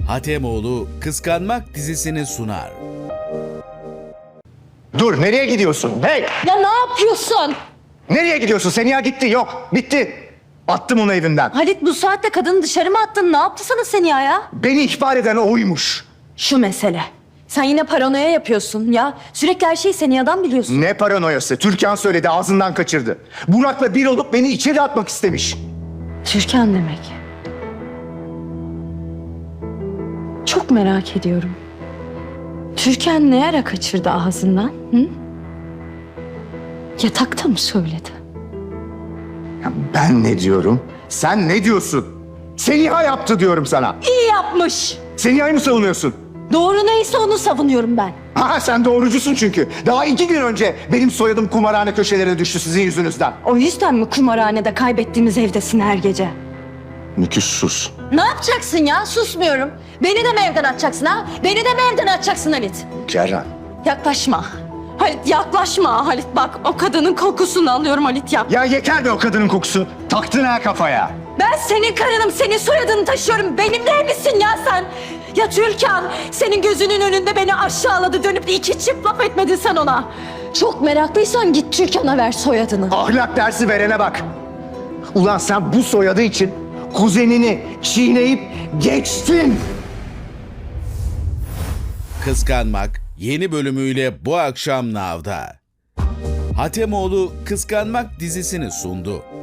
Hatemoğlu Kıskanmak dizisini sunar. Dur, nereye gidiyorsun? Hey! Ya ne yapıyorsun? Nereye gidiyorsun? Seniha gitti. Yok, bitti. Attım onu evinden. Halit, bu saatte kadını dışarı mı attın? Ne yaptı sana Seniha ya? Beni ihbar eden oymuş. Şu mesele. Sen yine paranoya yapıyorsun ya. Sürekli her şeyi Seniha'dan biliyorsun. Ne paranoyası? Türkan söyledi, ağzından kaçırdı. Burak'la bir olup beni içeri atmak istemiş. Türkan demek. Çok merak ediyorum. Türkan ne ara kaçırdı ağzından? Hı? Yatakta mı söyledi? Ya ben ne diyorum? Sen ne diyorsun? Seniha yaptı diyorum sana. İyi yapmış. Seniha'yı mı savunuyorsun? Doğru neyse onu savunuyorum ben. Ha, sen doğrucusun çünkü. Daha 2 gün önce benim soyadım kumarhane köşelerine düştü sizin yüzünüzden. O yüzden mi kumarhanede kaybettiğimiz evdesin her gece? Nüküs sus. Ne yapacaksın ya? Susmuyorum. Beni de mi evden atacaksın ha? Beni de mi evden atacaksın Halit? Kerran. Yaklaşma. Halit yaklaşma. Halit bak, o kadının kokusunu alıyorum Halit ya. Ya yeter be o kadının kokusu. Taktın ha kafaya. Ben senin karınım, senin soyadını taşıyorum. Benimle evlisin ya sen. Ya Türkan, senin gözünün önünde beni aşağıladı. Dönüp de 2 çift laf etmedin sen ona. Çok meraklıysan git Türkan'a ver soyadını. Ahlak dersi verene bak. Ulan sen bu soyadı için kuzenini çiğneyip geçtin. Kıskanmak yeni bölümüyle bu akşam Nav'da. Hatemoğlu Kıskanmak dizisini sundu.